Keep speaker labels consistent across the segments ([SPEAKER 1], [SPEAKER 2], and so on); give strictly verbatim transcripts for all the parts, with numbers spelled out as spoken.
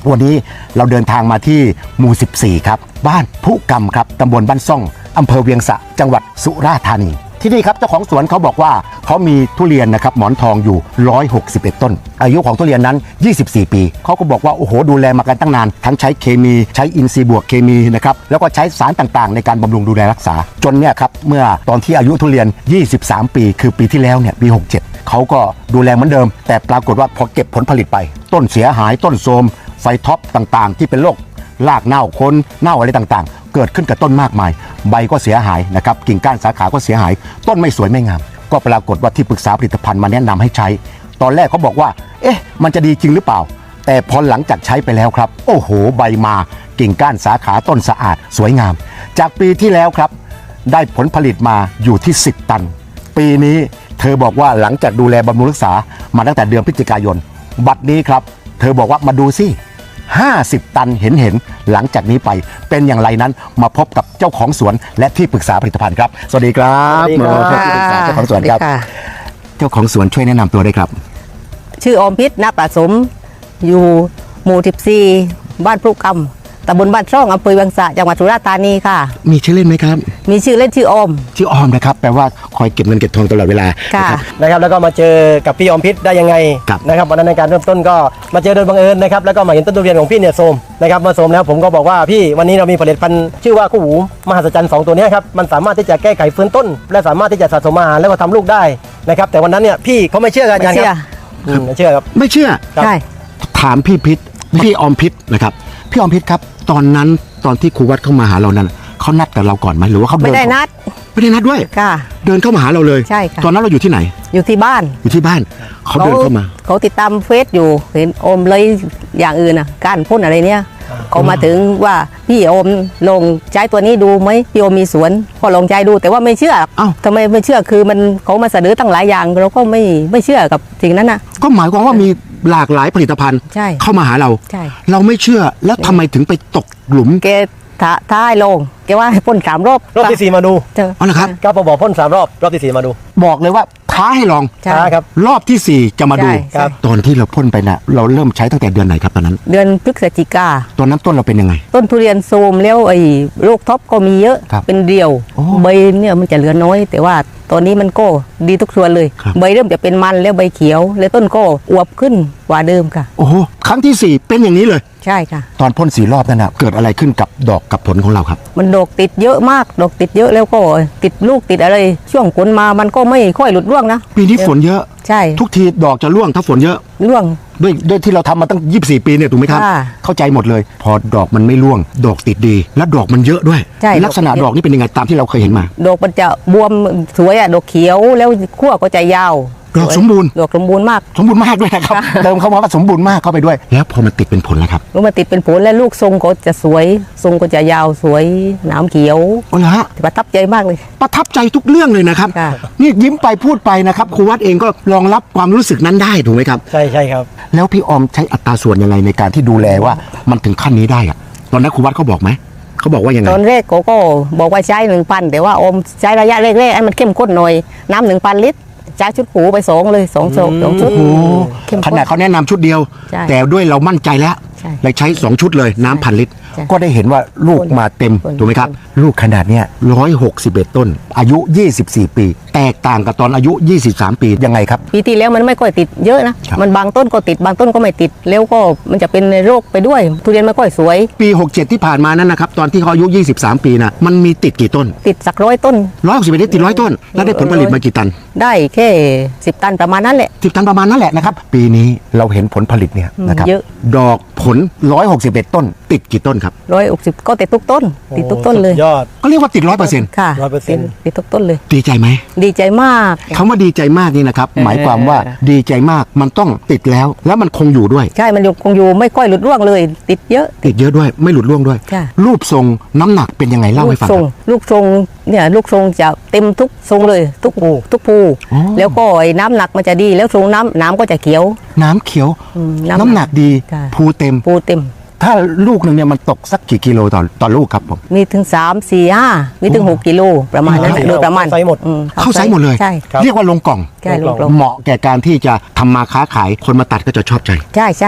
[SPEAKER 1] วันนี้เราเดินทางมาที่หมู่สิบสี่ครับบ้านพุกรรมครับตำบลบ้านซ่องอำเภอเวียงสะจังหวัดสุราษฎร์ธานีที่นี่ครับเจ้าของสวนเขาบอกว่าเขามีทุเรียนนะครับหมอนทองอยู่หนึ่งร้อยหกสิบเอ็ดต้นอายุของทุเรียนนั้นยี่สิบสี่ปีเขาก็บอกว่าโอ้โหดูแลมากันตั้งนานทั้งใช้เคมีใช้อินทรีย์บวกเคมีนะครับแล้วก็ใช้สารต่างๆในการบำรุงดูแลรักษาจนเนี่ยครับเมื่อตอนที่อายุทุเรียนยี่สิบสามปีคือปีที่แล้วเนี่ยปีหกสิบเจ็ดเขาก็ดูแลเหมือนเดิมแต่ปรากฏว่าพอเก็บผลผลิตไปต้นเสียหายต้นโทรมไฟท็อปต่างๆที่เป็นโรครากเน่าโคนเน่าอะไรต่างๆเกิดขึ้นกับต้นมากมายใบก็เสียหายนะครับกิ่งก้านสาขาก็เสียหายต้นไม่สวยไม่งามก็ปรากฏว่าที่ปรึกษาผลิตภัณฑ์มาแนะนำให้ใช้ตอนแรกเขาบอกว่าเอ๊ะมันจะดีจริงหรือเปล่าแต่พอหลังจากใช้ไปแล้วครับโอ้โหใบมากิ่งก้านสาขาต้นสะอาดสวยงามจากปีที่แล้วครับได้ผลผลิตมาอยู่ที่สิบตันปีนี้เธอบอกว่าหลังจากดูแลบำรุงรักษามาตั้งแต่เดือนพฤศจิกายนบัดนี้ครับเธอบอกว่ามาดูสิห้าสิบตันเห็นเห็นหลังจากนี้ไปเป็นอย่างไรนั้นมาพบกับเจ้าของสวนและที่ปรึกษาผลิตภัณฑ์ครับสวัสดีครับที่ปรึกษาเจ้าของสวนครับเจ้าของสวนช่วยแนะนำตัวได้ครับ
[SPEAKER 2] ชื่ออมพิษณประสมอยู่หมู่สิบสี่บ้านพรุกรรมตำบลบ้านช่องอำเภอเวียงสะจังหวัดสุราษฎร์ธานีค่ะ
[SPEAKER 1] มีชื่อเล่นไหมครับ
[SPEAKER 2] มีชื่อเล่นชื่ออม
[SPEAKER 1] ชื่ออมนะครับแปลว่าคอยเก็บเงินเก็บทองตลอดเวลา
[SPEAKER 2] ค่ะ
[SPEAKER 3] นะครับแล้วก็มาเจอกับพี่อมพิษได้ยังไงนะครับวันนั้นในการเริ่มต้นก็มาเจอโดยบังเอิญนะครับแล้วก็มาเห็นต้นทุเรียนของพี่เนี่ยโทรมนะครับมาโทรมแล้วผมก็บอกว่าพี่วันนี้เรามีผลิตภัณฑ์ชื่อว่าคู่หูมหัศจรรย์สองตัวนี้ครับมันสามารถที่จะแก้ไขฟื้นต้นและสามารถที่จะสะสมอาหารแล้วก็ทำลูกได้นะครับแต่วันนั้นเนี่ยพี่เขาไม่เชื่อกันยังครับไม่เชื่อครับ
[SPEAKER 1] ไม่เชื่อ
[SPEAKER 2] ใช่
[SPEAKER 1] ถามพี่พิษพี่อมพิษนะครับพี่อมพิษครับตอนนั้นตอนที่ครูวัดเข้ามาหาเรานั้นเขานัดกับเราก่อนไหมหรือว่าเขา
[SPEAKER 2] ไม่ได้นัด
[SPEAKER 1] ไม่ได้นัดด้วย
[SPEAKER 2] ค่ะ
[SPEAKER 1] เดินเข้ามาหาเราเลย
[SPEAKER 2] ใช่ค่ะ
[SPEAKER 1] ตอนนั้นเราอยู่ที่ไหน
[SPEAKER 2] อยู่ที่บ้าน
[SPEAKER 1] อยู่ที่บ้านเขาเดินเข้ามา
[SPEAKER 2] เขาติดตามเฟซอยู่เห็นอมเลยอย่างอื่นอ่ะการพ่นอะไรเนี่ยเขามาถึงว่าพี่อมลงใช้ตัวนี้ดูไหมพี่อมมีสวนพอลองใช้ดูแต่ว่าไม่เชื่อ
[SPEAKER 1] อ้าว
[SPEAKER 2] ทำไมไม่เชื่อคือมันเขามาเสนอตั้งหลายอย่างเราก็ไม่ไม่เชื่อกับสิ่งนั้นนะ
[SPEAKER 1] ก็หมายความว่ามีหลากหลายผลิตภัณฑ์เข้ามาหาเราเราไม่เชื่อแล้วทำไมถึงไปตกหลุม
[SPEAKER 2] แกท้ายลงแกว่าให้พ่นสามรอบ
[SPEAKER 3] รอบที่สี่มาดู
[SPEAKER 1] อ๋อเหรอครับ
[SPEAKER 3] ก็พอบอกพ่นสามรอบรอบที่สี่มาดู
[SPEAKER 1] บอกเลยว่าท้าให้ลอง
[SPEAKER 3] ท้าครับ
[SPEAKER 1] รอบที่สี่จะมาดูตอนที่เราพ่นไปนะเราเริ่มใช้ตั้งแต่เดือนไหนครับตอนนั้น
[SPEAKER 2] เดือนพฤศจิกา
[SPEAKER 1] ตอนนั้นต้นเราเป็นยังไง
[SPEAKER 2] ต้นทุเรียนโทรมแล้วไอ้โรคท็อปก็มีเยอะเป็นเดี่ยวใบเนี่ยมันจะเหลือน้อยแต่ว่าตอนนี้มันก็ดีทุกส่วนเลยใบเริ่มจะเป็นมันแล้วใบเขียวแล้วต้นก็อวบขึ้นกว่าเดิมค่ะ
[SPEAKER 1] โอ้โหครั้งที่สี่เป็นอย่างนี้เลย
[SPEAKER 2] ใช่ค่ะ
[SPEAKER 1] ตอนพ่นสี่รอบนั่นนะเกิดอะไรขึ้นกับดอกกับผลของเราครับ
[SPEAKER 2] มันดอกติดเยอะมากดอกติดเยอะแล้วก็ติดลูกติดอะไรช่วงฝนมามันก็ไม่ค่อยหลุดร่วงนะ
[SPEAKER 1] ปีนี้ฝนเยอะ
[SPEAKER 2] ใช่
[SPEAKER 1] ทุกทีดอกจะร่วงถ้าฝนเยอะ
[SPEAKER 2] ร่วง
[SPEAKER 1] ด้วยด้วยที่เราทำมาตั้งยี่สิบสี่ปีเนี่ยถูกไหมครับเข้าใจหมดเลยพอดอกมันไม่ร่วงดอกติดดีและดอกมันเยอะด้วยลักษณะดอกนี่เป็นยังไงตามที่เราเคยเห็นมา
[SPEAKER 2] ดอกมันจะบวมสวยอ่ะดอกเขียวแล้วขั้วก็จะยาว
[SPEAKER 1] ดอกสมบูรณ์
[SPEAKER 2] ดอกสมบูรณ์มาก
[SPEAKER 1] สมบูรณ์มากด้วยนะครับเติมเข้ามาว่าสมบูรณ์มากเข้าไปด้วยแล้วพอมันติดเป็นผลแล้วครับ
[SPEAKER 2] แล้วมันติดเป็นผลแล้วลูกทรงก็จะสวยทรงก็จะยาวสวยหนามเขียว
[SPEAKER 1] โอ้ละฮะ
[SPEAKER 2] ประทับใจมากเลย
[SPEAKER 1] ประทับใจทุกเรื่องเลยนะครับนี่ยิ้มไปพูดไปนะครับครูวัดเองก็รองรับความรู้สึกนั้นได้ถูกไหมครับ
[SPEAKER 3] ใช่ใช่ครับ
[SPEAKER 1] แล้วพี่อมใช้อัตราส่วนยังไงในการที่ดูแลว่ามันถึงขั้นนี้ได้อะตอนนั้นครูวัดเขาบอกไหมเขาบอกว่ายังไง
[SPEAKER 2] ตอนแรกเขาก็บอกว่าใช้หนึ่งพันแต่ว่าอมใช้ระยะแรกๆให้มันเข้มข้นหน่อยน้ำหนึ่งพันลิตรใช้ชุดหูไปสองเลยสองโซกสองชุด
[SPEAKER 1] ขนาดเขาแนะนำชุดเดียวแต่ด้วยเรามั่นใจแล้วเลยใช้สองชุดเลยน้ำพันลิตรก็ได้เห็นว่าลูกมาเต็มถูกไหมครับลูกขนาดเนี้ยร้อยหกสิบเอ็ดต้นอายุยี่สิบสี่ปีแตกต่างกับตอนอายุยี่สิบสามปียังไงครับ
[SPEAKER 2] ปีที่แล้วมันไม่ค่อยติดเยอะนะมันบางต้นก็ติดบางต้นก็ไม่ติดแล้วก็มันจะเป็นโรคไปด้วยทุเรียนไม่ค่อยสวย
[SPEAKER 1] ปีหกสิบเจ็ดที่ผ่านมานั้นนะครับตอนที่เขาอายุยี่สิบสามปีนะมันมีติดกี่ต้น
[SPEAKER 2] ติดสักร้อยต้น
[SPEAKER 1] ร้อยหกสิบเอ็ดติดร้อยต้นแล้วได้ผลผลิตมากี่ตัน
[SPEAKER 2] ได้แค่สิบตันประมาณนั้นแหละ
[SPEAKER 1] สิบตันประมาณนั้นแหละนะครับปีนี้เราเห็นผลผลิตเนี่ยนะครับดอกผลร้อยหกสิบเอ็ดต้นติดกี่ต้นครับ
[SPEAKER 2] ร้อยหกสิบก็ติดทุกต้นติดทุกต้นเลย
[SPEAKER 3] ยอด
[SPEAKER 1] ก็เรียกว่าติดร้อยเปอร์เซ็นต์
[SPEAKER 2] ค่ะ
[SPEAKER 3] ร้อยเปอร์เซ็นต์
[SPEAKER 2] ติดทุกต้นเลย
[SPEAKER 1] ดีใจไหม
[SPEAKER 2] ดีใจมาก
[SPEAKER 1] คำว่าดีใจมากนี่นะครับหมายความว่าดีใจมากมันต้องติดแล้วแล้วมันคงอยู่ด้วย
[SPEAKER 2] ใช่มันคงอยู่ไม่ค่อยหลุดร่วงเลยติดเยอะ
[SPEAKER 1] ติดเยอะด้วยไม่หลุดร่วงด้วยรูปทรงน้ำหนักเป็นยังไงเล่าให้ฟังครับ
[SPEAKER 2] ลูกทรงเนี่ยลูกทรงจะเต็มทุกทรงเลยทุกภูทุกภูแล้วก็ไอ้น้ำหนักมันจะดีแล้วทรงน้ำน้ำก็จะเขียว
[SPEAKER 1] น้ำเขียวน้ำหนักดีภูเต็ม
[SPEAKER 2] ภูเต็ม
[SPEAKER 1] ถ้าลูกหนึ่งเนี่ยมันตกสักกี่กิโลต่อต่อลูกครับผม
[SPEAKER 2] มีถึงสามสี่ห้ามีถึงหกกิโลประมาณนั้นโดยประมาณ
[SPEAKER 3] ไซส์หมด
[SPEAKER 1] เข้าไซส์หมดเลยเรียกว่าลงกล่องเหมาะแก่การที่จะทำมาค้าขายคนมาตัดก็จะชอบใจ
[SPEAKER 2] ใช่ใช่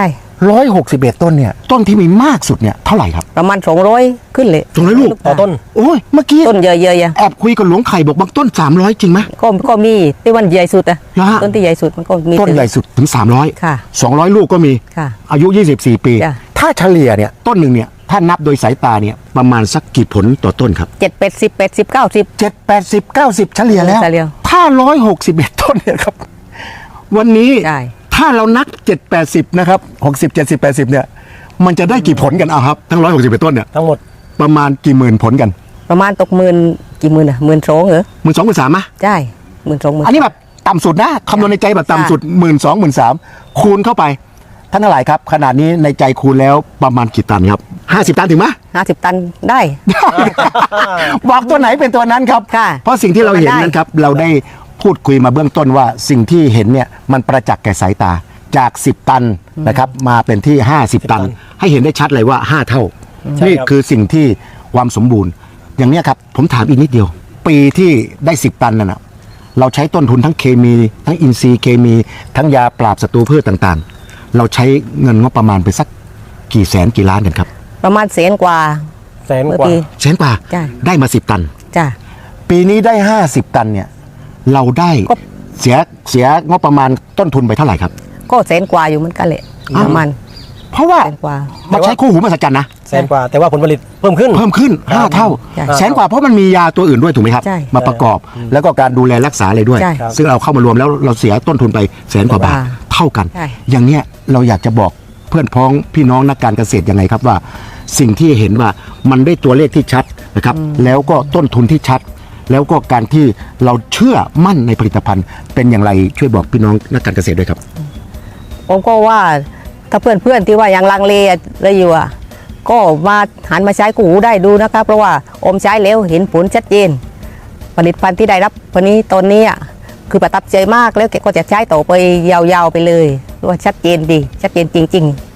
[SPEAKER 1] ร้อยหกสิบเอ็ดต้นเนี่ยต้นที่มีมากสุดเนี่ยเท่าไหร่ครับ
[SPEAKER 2] ประมาณสองร้อยขึ้นเลย
[SPEAKER 1] สองร้อยลูก
[SPEAKER 3] ต่อต้น
[SPEAKER 1] โอ้ยเมื่อกี้
[SPEAKER 2] ต้นเยอะๆ
[SPEAKER 1] แอบคุยกับหลวงไข่บอกบางต้นสามร้อยจริงไหม
[SPEAKER 2] ก็ก็มีที่วันใหญ่สุดอะ
[SPEAKER 1] เหรอฮะ
[SPEAKER 2] ต้นที่ใหญ่สุดมันก็มี
[SPEAKER 1] ต้นใหญ่สุดถึงสามร้อย
[SPEAKER 2] ค่ะ
[SPEAKER 1] สองร้อยลูกก็มี
[SPEAKER 2] ค่ะ
[SPEAKER 1] อายุยี่สิบสี่ปี
[SPEAKER 2] จ้ะ
[SPEAKER 1] ถ้าเฉลี่ยเนี่ยต้นหนึ่งเนี่ยถ้านับโดยสายตาเนี่ยประมาณสักกี่ผลต่อต้นครับ
[SPEAKER 2] เจ็ดแปดสิบแปดสิบเก้าสิบ
[SPEAKER 1] เจ็ดแปดสิบเก้าสิบเฉลี่ยแล้ว
[SPEAKER 2] เฉลี่ย
[SPEAKER 1] ถ้าร้อยหกสิบเอ็ดต้นเนี่ยครับ วันนี้
[SPEAKER 2] ใช่
[SPEAKER 1] ถ้าเรานับเจ็ดแปดสิบนะครับหกสิบเจ็ดสิบแปดสิบเนี่ยมันจะได้กี่ผลกันเอาครับทั้งร้อยหกสิบเอ็ดต้นเนี่ย
[SPEAKER 3] ทั้งหมด
[SPEAKER 1] ประมาณกี่หมื่นผลกัน
[SPEAKER 2] ประมาณตกหมื่นกี่หมื่นอะหมื่นสองเหรอ
[SPEAKER 1] หมื่นสองหมื่นสามมะ
[SPEAKER 2] ใช่หมื่นสองหมื่น
[SPEAKER 1] อันนี้แบบต่ำสุดนะคำนวณในใจแบบต่ำสุดหมื่นสองหมื่นสามคูณเข้าไปท่านทั้งหลายครับขนาดนี้ในใจคูณแล้วประมาณกี่ตันครับห้าสิบตันถึงไหม
[SPEAKER 2] ห้าสิบตันได้
[SPEAKER 1] บอกตัวไหนเป็นตัวนั้นครับ
[SPEAKER 2] ค่ะ
[SPEAKER 1] เพราะสิ่งที่เราเห็น
[SPEAKER 2] ได้
[SPEAKER 1] นั้นครับเราได้พูดคุยมาเบื้องต้นว่าสิ่งที่เห็นเนี่ยมันประจักษ์แก่สายตาจากสิบตันนะครับมาเป็นที่ห้าสิบตัน ให้เห็นได้ชัดเลยว่าห้าเท่า
[SPEAKER 3] ใช่
[SPEAKER 1] นี่
[SPEAKER 3] ครับ
[SPEAKER 1] คือสิ่งที่ความสมบูรณ์ อย่างเนี้ยครับผมถามอีกนิดเดียว ปีที่ได้สิบตันนั่นนะเราใช้ต้นทุนทั้งเคมี ทั้งอินทรีย์เคมี ทั้งยาปราบศัตรูพืชต่างๆ เราใช้เงินงบประมาณไปสักกี่แสนกี่ล้านกันครับ
[SPEAKER 2] ประมาณแสนกว่า
[SPEAKER 3] แสน
[SPEAKER 2] เมื่อก
[SPEAKER 3] ว่า
[SPEAKER 2] ปี
[SPEAKER 1] แสนกว่า
[SPEAKER 2] ใช่
[SPEAKER 1] ได้มาสิบตัน
[SPEAKER 2] จ้ะ
[SPEAKER 1] ปีนี้ได้ห้าสิบตันเนี่ยเราได้
[SPEAKER 2] ก็
[SPEAKER 1] เสียเสียงบประมาณต้นทุนไปเท่าไหร่ครับ
[SPEAKER 2] ก็แสนกว่าอยู่เหมือนกันแหละ
[SPEAKER 1] อ้าว
[SPEAKER 2] ประมาณ
[SPEAKER 1] เพราะว่า
[SPEAKER 2] แสนกว่า
[SPEAKER 1] มาใช้คู่หูมหัศจรรย์นะ
[SPEAKER 3] แสนกว่า แต่ว่าผลผลิตเพิ่มขึ้น
[SPEAKER 1] เพิ่มขึ้นห้าเท่า
[SPEAKER 2] ใช่
[SPEAKER 1] แสนกว่าเพราะมันมียาตัวอื่นด้วยถูกไหมครับ
[SPEAKER 2] ใช่
[SPEAKER 1] มาประกอบแล้วก็การดูแลรักษาอะไรด้วย
[SPEAKER 2] ใช่
[SPEAKER 1] ซึ่งเราเข้ามารวมแล้วเราเสียต้นทุนไปแสนกว่าบาท
[SPEAKER 2] ว่า
[SPEAKER 1] เท่ากัน
[SPEAKER 2] ใช่
[SPEAKER 1] อย่างเนี้ยเราอยากจะบอกเพื่อนพ้องพี่น้องนักการเกษตรยังไงครับว่า สิ่งที่เห็นว่ามันได้ตัวเลขที่ชัดนะครับแล้วก็ต้นทุนที่ชัด แล้วก็การที่เราเชื่อมั่นในผลิตภัณฑ์เป็นอย่างไรช่วยบอกพี่น้องนักการเกษตรด้วยครับ
[SPEAKER 2] ผมก็ว่าถ้าเพื่อนๆที่ว่ายังลังเลอะไรอยู่อ่ะก็มาหันมาใช้กูหูได้ดูนะคะเพราะว่าอมใช้แล้วเห็นผลชัดเจน ผลิตภัณฑ์ที่ได้รับวันนี้ตอนนี้อ่ะคือประทับใจมากแล้วแกก็จะใช้ต่อไปยาวๆไปเลยว่าชัดเจนดีชัดเจนจริง ๆ